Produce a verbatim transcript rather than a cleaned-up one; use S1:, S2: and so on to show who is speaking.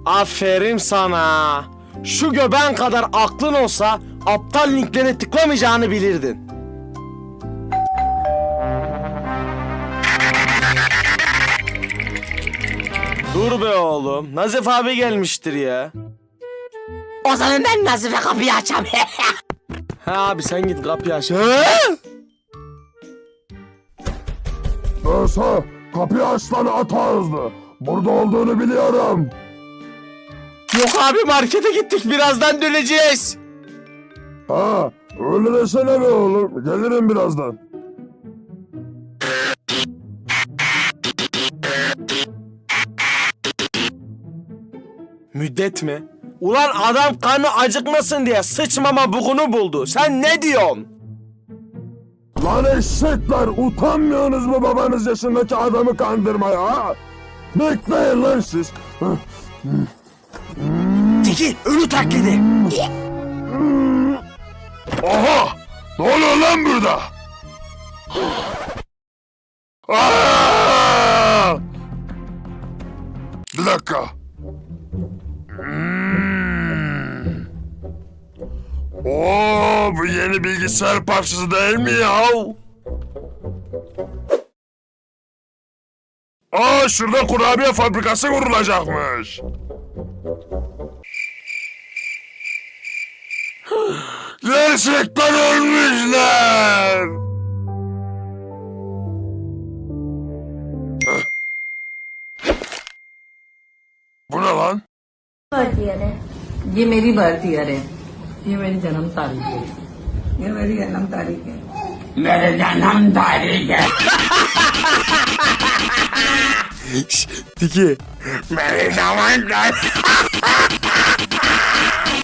S1: Aferin sana. Şu göbeğin kadar aklın olsa aptal linklere tıklamayacağını bilirdin. Dur be oğlum. Nazif abi gelmiştir ya.
S2: O zaman ben Nazife kapıyı açam.
S1: Ha abi sen git kapıyı aç.
S3: Neyse, kapıyı aç lan at ağızlı. Burada olduğunu biliyorum.
S1: Yok abi markete gittik, birazdan döneceğiz.
S3: Ha, öyle desene be oğlum. Gelirim birazdan.
S1: Müddet mi? Ulan adam kanı acıkmasın diye sıçmama bugunu buldu. Sen ne diyorsun?
S3: Lan eşekler, utanmıyorsunuz mu babanız yaşındaki adamı kandırmaya ha? Bekleyin lan siz.
S1: Teki ölü taklidi.
S3: Oha! Ne oluyor lan burada? Aa! Bir dakika. Hmm. Oo, bu yeni bilgisayar parçası değil mi ya? Aa, şurada kurabiye fabrikası kurulacakmış. Gerçekten ölmüşler. Bu ne lan?
S4: Birth year है। ये मेरी birth year है। ये मेरी जन्म तारीख है। ये मेरी जन्म तारीख है। मेरे जन्म तारीख है।
S1: Tiki.
S3: Benim zaman